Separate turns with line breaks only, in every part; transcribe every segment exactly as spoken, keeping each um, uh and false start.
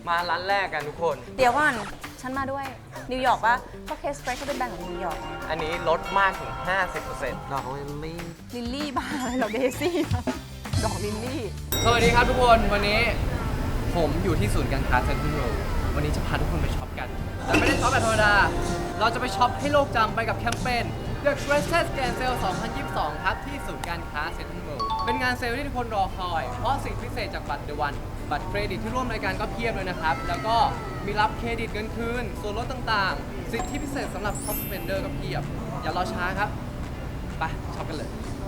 มาร้านแรกกันทุกคน
เดี๋ยวก่อนฉันมาด้วยนิวยอร์กปะเพราะเคสเฟรชเขาเป็นแบรนด์ของนิวยอร์ก
อันนี้ลดมากถึง ห้าสิบเปอร์เซ็นต์
ดอกลิลลี่
ลิลลี่บ้าอะไรเราเดซี่ดอกลิลลี่
สวัสดีครับทุกคนวันนี้ผมอยู่ที่ศูนย์การค้าเซ็นทรัลเวิลด์วันนี้จะพาทุกคนไปช็อปกันแต่ไม่ได้ช็อปแบบธรรมดาเราจะไปช็อปให้โลกจำไปกับแคมเปญ The Greatest Grand Sale สองพันยี่สิบสอง ครับที่ศูนย์การค้าเซ็นทรัลเวิลด์เป็นงานเซลล์ที่ทุกคนรอคอยเพราะสิ่งพิเศษจากบัตร The One บัตรเครดิตที่ร่วมรายการก็เพียบเลยนะครับแล้วก็มีรับเครดิตเงินคืนส่วนลดต่างๆสิทธิพิเศษสำหรับ Top Spender ก็เพียบอย่ารอช้าครับไปช็อปกันเลย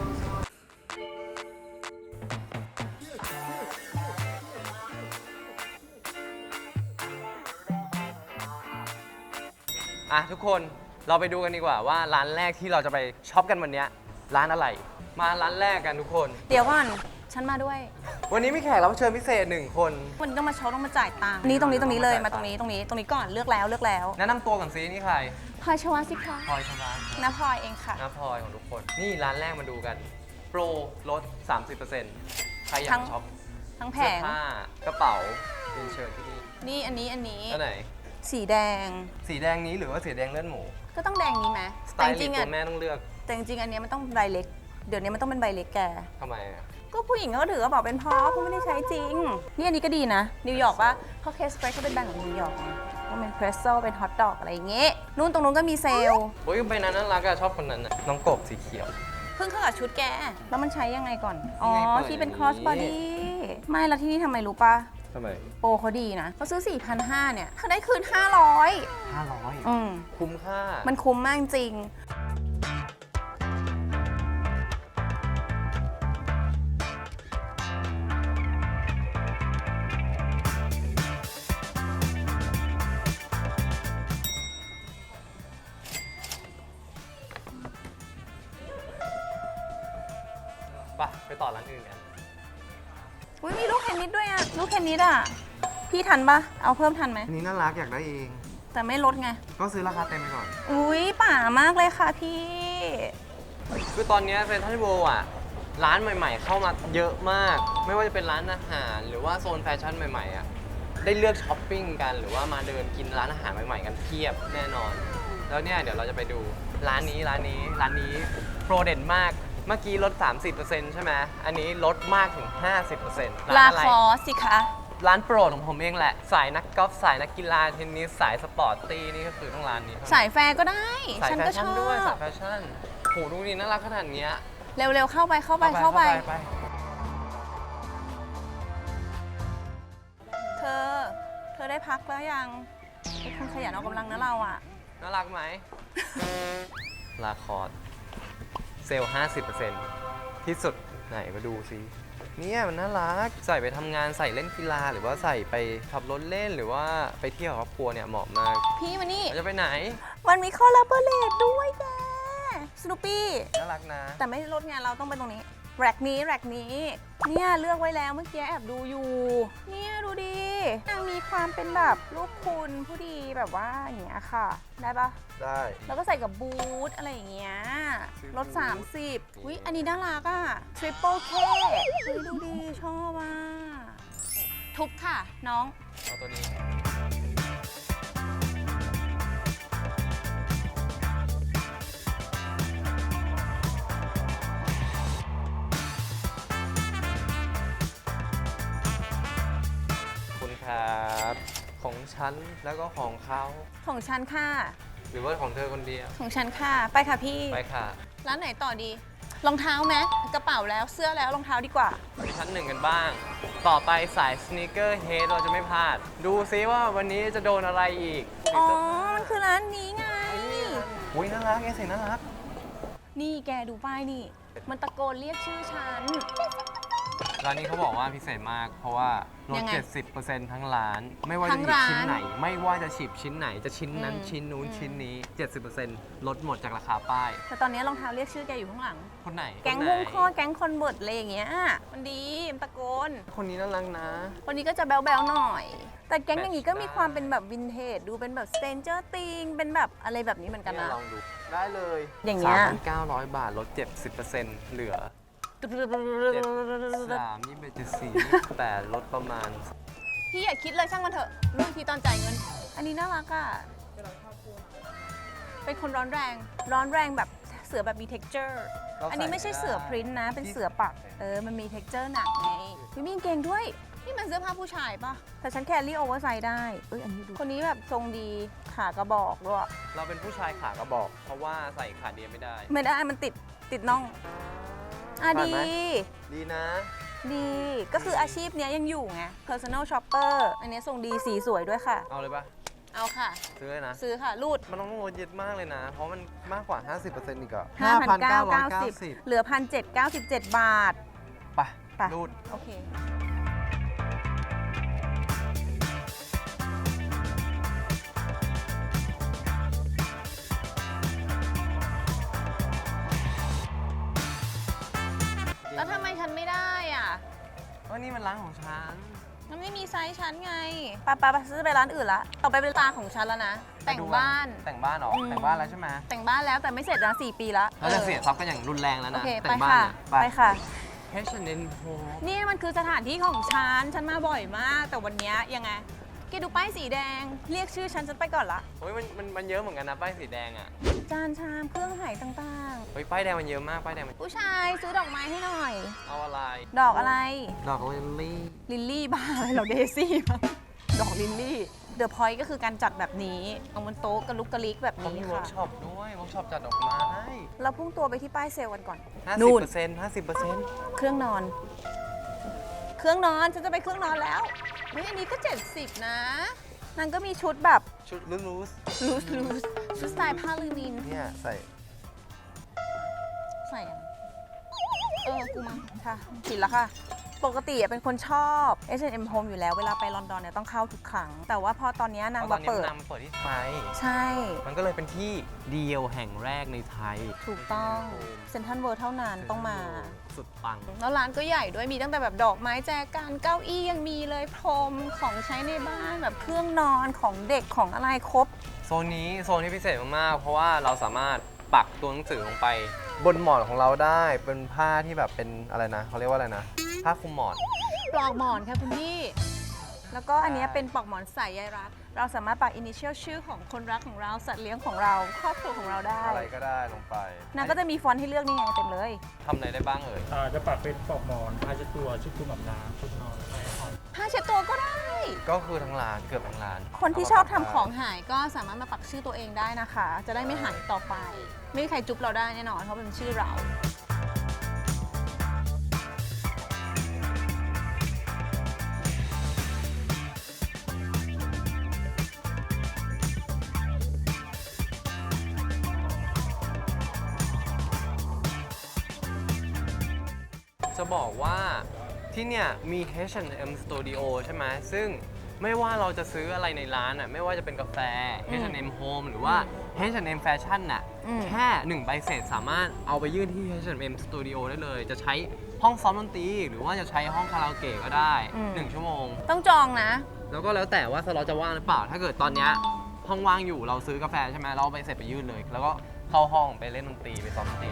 อ่ะทุกคนเราไปดูกันดีกว่าว่าร้านแรกที่เราจะไปช็อปกันวันนี้ร้านอะไร มาร้านแรกกันทุกคน
เดี๋ยวก่อนฉันมาด้วย
วันนี้มีแขกรับเชิญพิเศษหนึ่งคน
วันนี้ต้องมาช็อปต้องมาจ่ายตังค์นี่ตรงนี้ตรงนี้เลยมาตรงนี้ตรงนี้ตรงนี้ก่อนเลือกแล้วเลือกแล้ว
แนะนำตัวก่อนซินี่ใคร
พลอยชวาสิคะ
พลอยชวา
น้าพลอยเองค่ะ
น้าพลอยของทุกคน นี่ร้านแรกมาดูกัน โปรลด สามสิบเปอร์เซ็นต์ ใครอยา
ทั้
ก
ง
ช็อป
ทั้งแผ
เสื้อง ผ้ากระเป๋าเป็นเชิญที่นี่
นี่อันนี้อันนี้
อันไหน
สีแดง
สีแดงนี้หรือว่าสีแดงเลือดหมู
ก็ต้องแดงนี้ไหม
สไต
แต่จ
ล์ลิ
ริ
ส
ง
ต์
ๆ
ตั
อ่ะ
วแม่ต้องเลือก
แต่จริงๆอันเนี้ยมันต้องใบเล็กเดี๋ยวนี้มันต้องเป็นใบเล็กแก
ทำไมอ่ะ
ก็ผู้หญิงเขาก็ถือกระเป๋าเป็นพอเขาไม่ได้ใช้จริง นี่อันนี้ก็ดีนะนิวยอร์กปะเพราะเคสเฟรชเขาเป็นแบรนด์ของนิวยอร์กก็เป็นเพรสโซ่เป็นฮอทดอกอะไรอย่างเงี้ยนู่นตรงนู้นก็มีเซลล์
โอ้ยไปนั้นน่ารักอะชอบคนนั้นอะน้องกบสีเขียว
เพิ่งเข้ากับชุดแกแล้วมันใช้ยังไงก่อนอ๋อ
นี่ไงเปิด
ที่เป็น
อย่างนี้
ครอสบอดี้ไม่แล้วที่นี่ทำไมรู้ปะ
ทำไม
โปรเขาดีนะเขาซื้อ สี่พันห้าร้อย เนี่ยเขาได้คืน ห้าร้อย
ห้าร้อย
อืม
คุ้มค่า
มันคุ้มมากจริง
ไปไปต่อร้านอื่นกัน
อุ้ยมีลูกเทนนิสด้วยอะลูกเทนนิสอะพี่ทันปะเอาเพิ่มทันไหม
อันนี้น่ารักอยากได้เอง
แต่ไม่ลดไง
ก็ซื้อราคาเต็มไปก่อน
อุ้ยป่ามากเลยค่ะพี่
คือตอนนี้เซ็นทรัลเวิลด์อ่ะ ร้านใหม่ๆ เข้ามาเยอะมาก ไม่ว่าจะเป็นร้านอาหารหรือว่าโซนแฟชั่นใหม่ๆอ่ะ ได้เลือกช้อปปิ้งกันหรือว่ามาเดินกินร้านอาหารใหม่ๆ กันเพียบแน่นอน แล้วเนี่ยเดี๋ยวเราจะไปดูร้านนี้ร้านนี้ร้านนี้โปรเด่นมาก เมื่อกี้ลด สามสิบเปอร์เซ็นต์ ใช่ไหมอันนี้ลดมากถึง ห้าสิบเปอร์เซ็นต์
ลา
ร้านอะไร
คอสสิคะ
ร้านโปรดของผมเองแหละ สายนักกอล์ฟสายนักกีฬาเทนนิสสายสปอร์ตตี้นี่ก็คือต้องร้านนี้เท่นั้น
สายแฟร์ก็ได้
สาย
ฉัน
แฟ
ก็ช
ชั่น
อ
ด้วยสา
บ
ยแฟชั่นโหดูนี่น่ารักขนาดเนี้ย
เร็วๆเข้าไปเข้าไปเข้าไป
ไป
เธอ เธอได้พักแล้วยังเป็นคนขยันออกกำลังนะเราอ่ะ
น่ารักไหม ลาคอร์ดเซลล์ ห้าสิบเปอร์เซ็นต์ ที่สุดไหนมาดูสิเนี่ยมันน่ารัก ใส่ไปทำงานใส่เล่นกีฬาหรือว่าใส่ไปขับรถเล่นหรือว่าไปเที่ยวกับครอบครัวเนี่ยเหมาะมาก
พี่มานี่
เราจะไปไหน
มันมีคอลลาเบอเรตด้วยแกสนุปี้
น่ารักนะ
แต่ไม่ลดไงเราต้องไปตรงนี้ แร็กนี้แร็กนี้ เนี่ยเลือกไว้แล้วเมื่อกี้แอบดูอยู่ เนี่ยดูดินางมีความเป็นแบบลูกคุณผู้ดีแบบว่าอย่างเงี้ยค่ะ ได้ปะ
ได้
แล้วก็ใส่กับบูทอะไรอย่างเงี้ยลดสามสิบวิอันนี้น่ารักอ่ะ Triple K เฮ้ยดูดีชอบอ่ะ ทุบค่ะน้อง
เอาตัวนี้ คุณครับ ของฉันแล้วก็ของเขา
ของฉันค่ะ
หรือว่าของเธอคนเดียว
ของฉันค่ะ ไปค่ะพี่
ไปค่ะ
ร้านไหนต่อดี รองเท้าไหมกระเป๋าแล้วเสื้อแล้วรองเท้าดีกว่า
ไปชั้นหนึ่งกันบ้าง ต่อไปสายสเนคเกอร์เฮดเราจะไม่พลาด ดูซิว่าวันนี้จะโดนอะไรอีก
อ๋อ มันคือร้านนี้ไง
อุ้ยน่ารักไงสิน่ารัก
นี่แกดูป้ายนี่ มันตะโกนเรียกชื่อฉัน
ร้านนี้เขาบอกว่าพิเศษมาก เพราะว่าล
ยั
ด
งไง
เจ็ดสิบเปอร์เซ็นต์ ทั้งร้าน ไม่ว่า
ทั้
จะ
ง
หยิบ
ร้าน
ชิ้นไหน ไม่ว่าจะฉีบชิ้นไหน จะชิ้นนั้น
อืม
ชิ้นนู้น
อืม
ชิ้นนี้ เจ็ดสิบเปอร์เซ็นต์ ลดหมดจากราคาป้าย
แต่ตอนนี้รองเท้าเรียกชื่อแกอยู่ข้างหลัง
คนไหน
แก๊ง
คนไหน
มุ่งคอแก๊งคอนเวิร์ตอะไรอย่างเงี้ย มันดีมันตะโกน
คนนี้น่ารักนะ
คนนี้ก็จะแบ๊วๆหน่อย แต่แก๊งอย่างนี้ก็มี
แมทช์
ความเป็นแบบวินเทจ ดูเป็นแบบสเตนเจอร์ติงเป็นแบบอะไรแบบนี้เหมือนกัน
เนี่ย
นะ
ลองดู ได้เลย
อย่างเงี้ย
สามพันเก้าร้อย บาท ลด เจ็ดสิบเปอร์เซ็นต์ เหลือ เจ็ด สามยี่สิบเอ็ดจุดสี่ยี่สิบแปดลดประมาณ
พี่อย่าคิดเลยช่างมันเถอะรู้อีกทีตอนจ่ายเงิน อันนี้น่ารักอ่ะ เป็นคนร้อนแรง ร้อนแรงแบบเสือแบบมี texture
เราใส่
อันนี้ไม่ใช่เสือพริ้นท์นะ เป็นเสือปัก เออ มันมี texture หนักไงพี่มีกางเกงด้วย นี่มันเสื้อผ้าผู้ชายปะแต่ฉันแครี่โอเวอร์ไซส์ได้ เอ้ย อันนี้ดู คนนี้แบบทรงดี ขากระบอกด้วย
เราเป็นผู้ชายขากระบอก เพราะว่าใส่ขาเดียวไม่ได้
ไม่ได้ มันติด ติดน่อง อ่ะ
ผ่าน
ดี
ไหม ดีนะ
ดี ก็คืออาชีพเนี้ยยังอยู่ไง personal shopper อันนี้ทรงดีสีสวยด้วยค่ะ
เอาเลยปะ
เอาค่ะ
ซื้อเลยนะ
ซื้อค่ะ รูด
มันต้องลดเยอะมากเลยนะ เพราะมันมากกว่า ห้าสิบเปอร์เซ็นต์ อีกอะ
ห้าพันเก้าร้อยเก้าสิบ
สิบ
เหลือ หนึ่งพันเจ็ดร้อยเก้าสิบเจ็ด บาท
ไป
ไป
รูด
โอเค แล้วทำไมฉันไม่ได้อ่ะ
ว่านี่มันร้านของฉัน
มันไม่มีไซส์ฉันไงปาปาไปซื้อไปร้านอื่นละ ต่อไปเป็นตาของฉันแล้วนะ แต่งบ้าน
แต่งบ้านเหรอ
อืม
แต่งบ้านแล้วใช่ไหม
แต่งบ้านแล้วแต่ไม่เสร็จนะสี่ปีละ
เราจะ
ออ
เสียทรัพย์กันอย่างรุนแรงแล้ว
โอ
นะ
เค
แต่
ไป
งบ้าน
ค่ะ
เนี่ย
ไปค่ะ
แฮชเนนโฮ
นี่มันคือสถานที่ของฉัน ฉันมาบ่อยมาก แต่วันเนี้ยยังไงแกดูป้ายสีแดง เรียกชื่อฉันฉันไปก่อนละ
เฮ้ยมันมันมันเยอะเหมือนกันนะป้ายสีแดงอ่ะ
จานชามเครื่องหายต่าง
เฮ้ยป้ายแดงมันเยอะมากป้ายแดงมัน
ๆ ผู้ชายซื้อดอกไม้ให้หน่อย
เอาอะไร
ดอกอะไร
ดอกลิลลี่
ลิลลี่บ้าอะไรเหราเดซี่มั้งดอกลิลลี่ เดอะพอยต์ก็คือการจัดแบบนี้ เอาบนโต๊ะกระลุกกระลิกแบบ
เขา
นี้
มีเวิร์
ค่ะ
กช็อปด้วยเวิร์กช็อปจัดดอกไม้
เราพุ่งตัวไปที่ป้ายเซลล์กันก่อน
ห้า
นู่
สิบ
น
เปอร์เซ็นต์ห้าสิบเปอร์เซ็นต์
เครื่องนอน เครื่องนอน ฉันจะไปเครื่องนอนแล้วเฮ้ยอันนี้ก็เจ็ดสิบนะนางก็มีชุดแบบ
ชุดลูส
ลูสลูสชุดสไตล์ผ้าลินิน
ๆเนี่ยใส่
ใส่อะไรเออ กูมั้งค่ะผิดแล้วค่ะ ปกติอะเป็นคนชอบ เอช แอนด์ เอ็ม Home อยู่แล้ว เวลาไปลอนดอนเนี่ยต้องเข้าทุกครั้ง แต่ว่าพอตอนเนี้ยนาง
เพราะตอ
มาน
นี้
เปิด
นางมาเปิดที่ไทย
ใช่
มันก็เลยเป็นที่เดียวแห่งแรกในไทย
ถูกต้องเซ็นทรัลเวิลด์เท่านั้นต้องมา
สุดปัง
แล้วร้านก็ใหญ่ด้วยมีตั้งแต่แบบดอกไม้แจกันเก้าอี้ยังมีเลยพรมของใช้ในบ้านแบบเครื่องนอนของเด็กของอะไรครบ
โซนนี้โซนที่พิเศษมากๆ เพราะว่าเราสามารถปักตัวหนังสือลงไป บนหมอนของเราได้เป็นผ้าที่แบบเป็นอะไรนะเขาเรียกว่าอะไรนะ ผ้าคลุมหมอน
ปลอกหมอนค่ะคุณพี่ แล้วก็อันเนี้ยเป็นปลอกหมอนใส่ใยรัก เราสามารถปักอินิเชียลชื่อของคนรักของเราสัตว์เลี้ยงของเราครอบครัวของเราได้
อะไรก็ได้ลงไป
นางก็จะมีฟอนต์ให้เลือกนี่ไงเต็มเลย
ทำอะไรได้บ้างเอ่ย
อ่าจะปักเป็นปลอกหมอนผ้าเช็ดตัวชุดคลุมอาบน้ำชุดนอนแล้วก็
ผ้าเช็ดตัวก็ได้
ก็คือทั้งร้านเกือบทั้งร้าน
คนที่ชอบทำของหายก็สามารถมาปักชื่อตัวเองได้นะคะ จะได้ไม่หายต่อไป ไม่มีใครจุ๊บเราได้แน่นอนเพราะเป็นชื่อเรา
จะบอกว่าที่เนี่ยมี เอช แอนด์ เอ็ม Studio ใช่ไหมซึ่งไม่ว่าเราจะซื้ออะไรในร้านอ่ะไม่ว่าจะเป็นกาแฟ
อืม
เอช แอนด์ เอ็ม Home หรือว่า เอช แอนด์ เอ็ม Fashion น่ะ
อืม
แค่หนึ่งใบเสร็จสามารถเอาไปยื่นที่ เอช แอนด์ เอ็ม Studio ได้เลย จะใช้ห้องซ้อมดนตรีหรือว่าจะใช้ห้องคาราโอเกะก็ได้ หนึ่ง ชั่วโมง
ต้องจองนะ
แล้วก็แล้วแต่ว่าสล็อตจะว่างหรือเปล่า ถ้าเกิดตอนเนี้ยห้องว่างอยู่เราซื้อกาแฟใช่ไหมเราเอาไปเสร็จไปยื่นเลย แล้วก็เข้าห้องไปเล่นดนตรีไปซ้อมดนตรี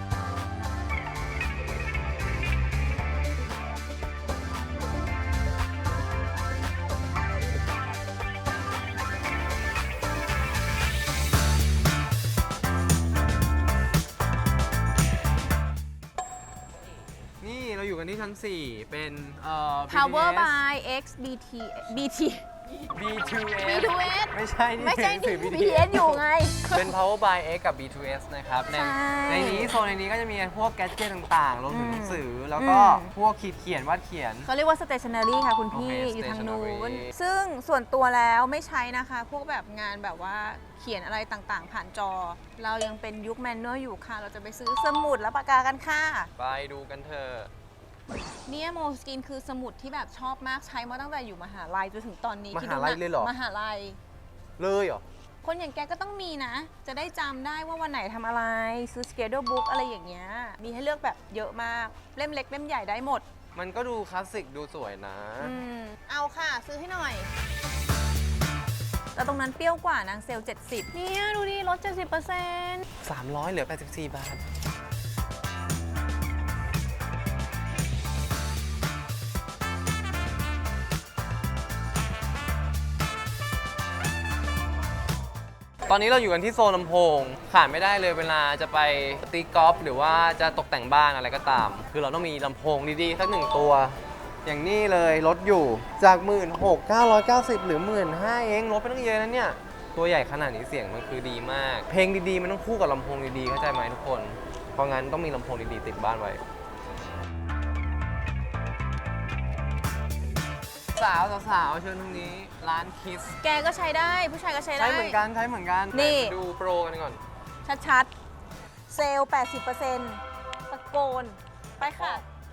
นี่เราอยู่กันที่ชั้น สี่ เป็นเอ่อ
Power
บี ที เอส
by X บี ที บี ที
บี ทู เอส
บี ทู เอส
ไม่ใช่นี่
ไม่ใช่
หนังสื
ที่
อ
บี ที เอส อยู่ไง
เป็น Power by X กับ บี ทู เอส นะครับ ใน
ใช่
ในนี้โซนในนี้ก็จะมีพวกแกดเจิตต่างๆ รวมถึงหนังสือ แล้วก็
อืม
พวกขีดเขียนวาดเขียน
เขาเรียกว่า stationery ค่ะคุณพี่
โอเค
อยู่ทางนู้น
stationery
ซึ่งส่วนตัวแล้วไม่ใช้นะคะ พวกแบบงานแบบว่าเขียนอะไรต่างๆ ผ่านจอ เรายังเป็นยุคแมนนวลอยู่ค่ะ เราจะไปซื้อสมุดและปากกากันค่ะ
ไปดูกันเถอะ
เนี่ยโมสกินคือสมุดที่แบบชอบมากใช้มาตั้งแต่อยู่มหาลัยจนถึงตอนนี้
ม
คิด
หา
ดู
ลัย
นะ
เลยเหรอ
มหาลัย
เลยเหรอ
คนอย่างแกก็ต้องมีนะ จะได้จำได้ว่าวันไหนทำอะไร ซื้อ schedule book อะไรอย่างเงี้ย มีให้เลือกแบบเยอะมาก เล่มเล็กเล่มใหญ่ได้หมด
มันก็ดูคลาสสิกดูสวยนะ
อืม เอาค่ะ ซื้อให้หน่อย แล้วตรงนั้นเปรี้ยวกว่านางเซลเจ็ดสิบเนี่ยดูดิลด เจ็ดสิบเปอร์เซ็นต์
สามร้อยเหลือ แปดสิบสี่ บาท
น
ตอนนี้เราอยู่กันที่โซนลำโพงขาดไม่ได้เลยเวลาจะไปตีกอล์ฟหรือว่าจะตกแต่งบ้านอะไรก็ตาม คือเราต้องมีลำโพงดีๆสักหนึ่งตัว อย่างนี้เลยลดอยู่จาก หนึ่งหมื่นหกพันเก้าร้อยเก้าสิบ หรือ หนึ่งหมื่นห้าพัน เองลดไปตั้งเยอะนะเนี่ย ตัวใหญ่ขนาดนี้เสียงมันคือดีมาก เพลงดีๆมันต้องคู่กับลำโพงดีๆเข้าใจไหมทุกคน เพราะงั้นต้องมีลำโพงดีๆติดบ้านไว้ สาวสาวๆเชิญทางนี้ร้านคิส
แกก็ใช้ได้ผู้ชายก็ใช้ได้
ใช้เหมือนกันใช้เหมือนกัน
นี่
ไปดูโปรกันก่อน
ชัดๆ เซลล์ แปดสิบเปอร์เซ็นต์ ตะโกน ไปค่ะ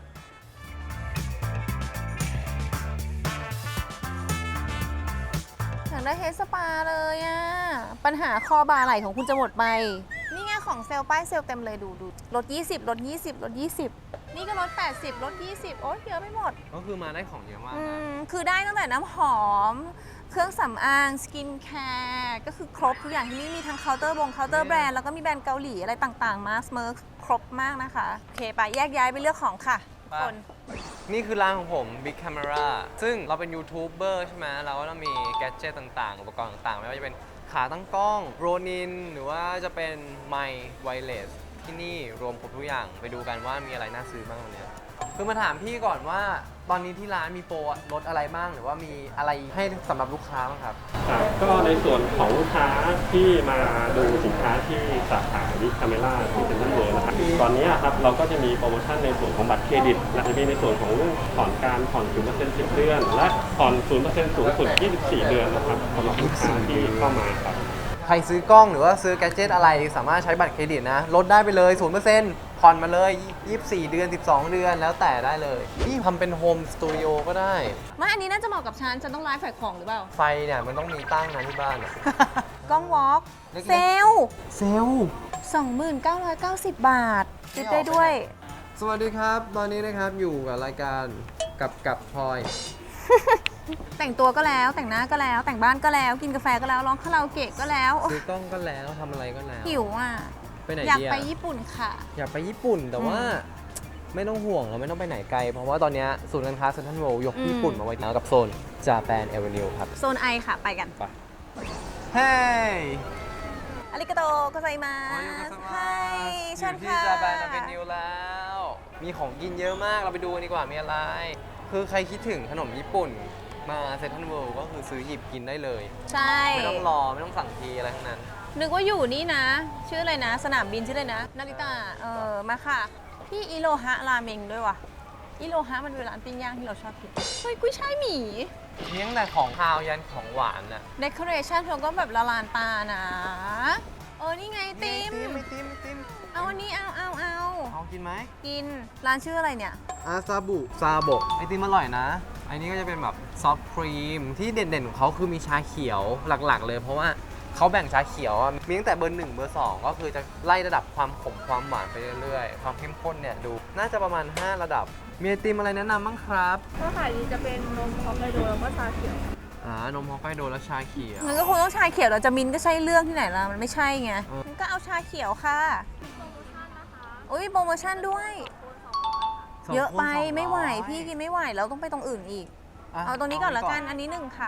อยากได้เฮดสปาเลยอะปัญหาคอบาไหล่ของคุณจะหมดไป นี่ไงของเซลล์ป้ายเซลล์เต็มเลยดูดูลด ยี่สิบ ลด ยี่สิบ ลด ยี่สิบ นี่ก็ลด แปดสิบ ลด ยี่สิบ โอ๊ยเยอะไปหมด
ก็คือมาได้ของเยอะมาก
อื
นะ
มคือได้ตั้งแต่น้ำหอม เครื่องสำอาง สกินแคร์ก็คือครบทุกอย่างที่นี่มีทั้งเคาน์เตอร์บงเคาน์เตอร์แบรนด์แล้วก็มีแบรนด์เกาหลีอะไรต่างๆ มาสเมอร์ครบมากนะคะ โอเคไปแยกย้ายไปเลือกของค่ะทุกคน
นี่คือร้านของผม Big Camera ซึ่งเราเป็นยูทูบเบอร์ใช่ไหมเราก็ต้องมีแกดเจิตต่างๆ อุปกรณ์ต่างๆ ไม่ว่าจะเป็นขาตั้งกล้องโรนินหรือว่าจะเป็นไมค์ไวเลสที่นี่รวมครบทุกอย่างไปดูกันว่ามีอะไรน่าซื้อบ้างวันนี้คือมาถามพี่ก่อนว่าตอนนี้ที่ร้านมีโปรลดอะไรบ้างหรือว่ามีอะไรให้สำหรับลูกค้าบ้างครับ
ครับก็ในส่วนของลูกค้าที่มาดูสินค้าที่สาขาวิคาเมล่าที่เป็นต้นเวิร์นะครับตอนนี้ครับเราก็จะมีโปรโมชั่นในส่วนของบัตรเครดิตและจะมีในส่วนของเรื่องผ่อนการผ่อน ศูนย์เปอร์เซ็นต์ สิบ เดือน และผ่อน ศูนย์เปอร์เซ็นต์ สูงสุด ยี่สิบสี่ เดือนนะครับสำหรับลูกค้าที่เข้ามาครับ
ใครซื้อกล้องหรือว่าซื้อแกดเจิตอะไรสามารถใช้บัตรเครดิตนะลดได้ไปเลย ศูนย์เปอร์เซ็นต์ ผ่อนมาเลย ยี่สิบสี่ เดือน สิบสอง เดือนแล้วแต่ได้เลยนี่ทำเป็นโฮมสตูดิโอก็ได้
ไม่อันนี้น่าจะเหมาะกับฉัน ฉันต้องไลฟ์ขายของหรือเปล่า
ไฟเนี่ยมันต้องมีตั้งนะที่บ้านอะ
กล้องวอล์ก
เล็กๆ
เซลล์
เซลล์
สองหมื่นเก้าร้อยเก้าสิบ บาทติดได้ด้วย
สวัสดีครับ ตอนนี้นะครับอยู่กับรายการกับกับพลอย
แต่งตัวก็แล้วแต่งหน้าก็แล้ว แต่งบ้านก็แล้ว กินกาแฟก็แล้วร้องคาราโอเกะก็แล้วโอ๊ย
ซื้อกล้องก็แล้วทำอะไรก็แล้ว
หิวอ่ะ
ไปไหน
อยาก
ดี
ไป
อะ
ญี่ปุ่นค่ะ
อยากไปญี่ปุ่นแต่ว่าไม่ต้องห่วงเราไม่ต้องไปไหนไกล เพราะว่าตอนเนี้ยศูนย์การค้าเซ็นทรัลเวิลด์ยก
อืม
ญี่ปุ่นมาไว้แล้วกับโซนจาแปนเอเวนิวครับ
โซนไอค่ะ ไปกัน
ไปเฮ้ย
อาริกาโตโกไซมาสใช่เชิญ
ที่
ค่ะ
จาแปนเอเวนิวแล้ว มีของกินเยอะมากเราไปดูกันดีกว่ามีอะไร คือใครคิดถึงขนมญี่ปุ่นมาเซ็นทรัลเวิลด์ก็คือซื้อหยิบกินได้เลย
ใช่
ไม่ต้องรอไม่ต้องสั่งทีอะไรทั้งนั้น
นึกว่าอยู่นี่นะ ชื่ออะไรนะ สนามบินชื่ออะไรนะ นาริตะเออ มาค่ะ พี่อิโรฮะราเมงด้วยว่ะ อิโรฮะมันเป็นร้านปิ้งย่างที่เราชอบกิน เฮ้ย กุ้ยช่ายหมี
มีตั้งแต่ของคาวยันของหวานน่ะ
เดคอเรชันเขาก็แบบละลานตานะ เออ นี่ไงติม
ไม่ติมไม่ติม
เอาอันนี้เอาเอาเอา
เอากินไหม
กิน ร้านชื่ออะไรเนี่ย
อาซาบุซาบกไอติมอร่อยนะไอันนี้ก็จะเป็นแบบซอฟต์ครีมที่เด่นๆของเขาคือมีชาเขียวหลักๆ เลยเพราะว่าเขาแบ่งชาเขียวอะมีตั้งแต่เบอร์หนึ่งเบอร์สองก็คือจะไล่ระดับความขมความหวานไปเรื่อยๆ ความเข้มข้นเนี่ยดูน่าจะประมาณ ห้า ระดับ มีไอติมอะไรแนะนำบ้างครับ
ถ้าขายดีจะเป็นนมฮอกไกโดแล้วก็ชาเขียว
อ่านมฮอกไกโดและชาเขียว
มันก็คงต้องชาเขียวเราจะมินก็ใช่เรื่องที่ไหนล่ะ มันไม่ใช่ไง
อืม
มันก็เอาชาเขียวค่ะอุ้ยโปรโมชั่นด้วย
สง
เยอะไป
คนสงร้
ไม่ไหว พี่กินไม่ไหวแล้วต้องไปตรงอื่นอีก
ะ
เอาตรงนี้ก่อนละกัน
เา
อันนี้หนึ่งค่ะ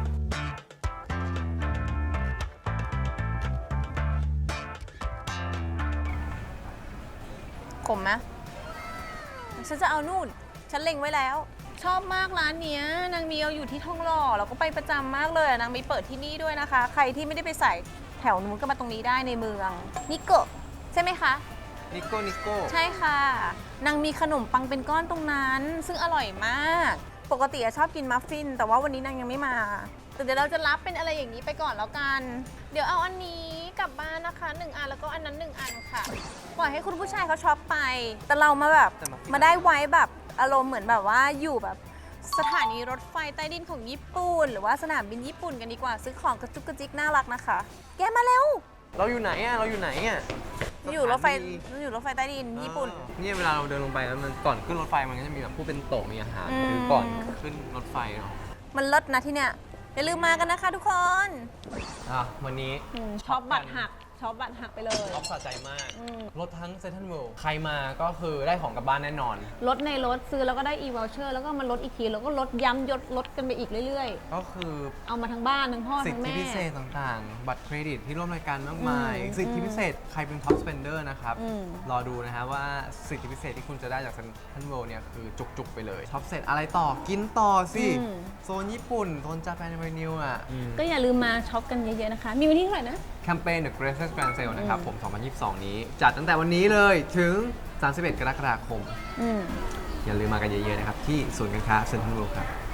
ขมไหมฉันจะเอานู่น ฉันเล็งไว้แล้ว ชอบมากร้านเนี้ยนางมีเอาอยู่ที่ทองหล่อเราก็ไปประจำมากเลยอะนางมีเปิดที่นี่ด้วยนะคะ ใครที่ไม่ได้ไปใส่แถวนู้นก็มาตรงนี้ได้ในเมือง นิโกะใช่ไหมคะ
นิโก้นิโก้
ใช่ค่ะ นางมีขนมปังเป็นก้อนตรงนั้น ซึ่งอร่อยมาก ปกติอะชอบกินมัฟฟิน แต่ว่าวันนี้นางยังไม่มา แต่เดี๋ยวเราจะรับเป็นอะไรอย่างนี้ไปก่อนแล้วกัน เดี๋ยวเอาอันนี้กลับบ้านนะคะหนึ่งอันแล้วก็อันนั้นหนึ่งอันค่ะ ปล่อยให้คุณผู้ชายเขาช็อปไป แต่เรามาแบบมาได้ไว้แบบอารมณ์เหมือนแบบว่าอยู่แบบสถานีรถไฟใต้ดินของญี่ปุ่น หรือว่าสนามบินญี่ปุ่นกันดีกว่า ซื้อของกระจุกกระจิกน่ารักนะคะ แกมาเร็ว
เราอยู่ไหนอ่ะเราอยู่ไหนอ่ะ
อยู่รถไฟ
สถานี
อยู่รถไฟใต้ดินญี่ปุ่น
อ่าเนี่ยเวลาเราเดินลงไปแล้วมันก่อนขึ้นรถไฟมันก็จะมีแบบผู้เป็นโต๊ะมีอาหาร
อืม
คือก่อนขึ้นรถไฟเนาะ
มันเลิศนะที่เนี่ย อย่าลืมมากันนะคะทุกคน
อ่ะวันนี้
ช็อปบัตรหักช็อปบัตรหักไปเลย
ช็อปสะใจมาก
อืม
รถทั้งเซนทรัลเวิลด์ใครมาก็คือได้ของกลับบ้านแน่นอน
ลดในรถซื้อแล้วก็ได้ e-voucher แล้วก็มาลดอีกที แล้วก็ลดย้ำยดลดกันไปอีกเรื่อย
ก็คือ
ๆ เอามาทั้งบ้านทั้งพ่อ
สิท
ทั้ง
ธิ
แม่
พิเศษต่างๆ บัตรเครดิตที่ร่วมรายการมากมาย
อืม
สิทธิพิเศษใครเป็น top spender นะครับ
อืม
รอดูนะฮะว่าสิทธิพิเศษที่คุณจะได้จากเซนทรัลเวิลด์เนี่ยคือจุกๆไปเลยช็อปเสร็จอะไรต่อกินต่อสิ
อืม
โซนญี่ปุ่น โซนจาแปนเวนิวอ่ะ
ก็อย่าลืมมาช็อปกันเยอะๆนะคะ มีวันที่เท่าไหร่นะ
แคมเปญ The Greatest Grand Sale นะครับ
อืม
ผม สองพันยี่สิบสอง นี้ จัดตั้งแต่วันนี้เลยถึง สามสิบเอ็ด กรกฎาคม
อืม
อย่าลืมมากันเยอะๆนะครับ ที่ศูนย์การค้าเซ็นทรัลเวิลด์ครับ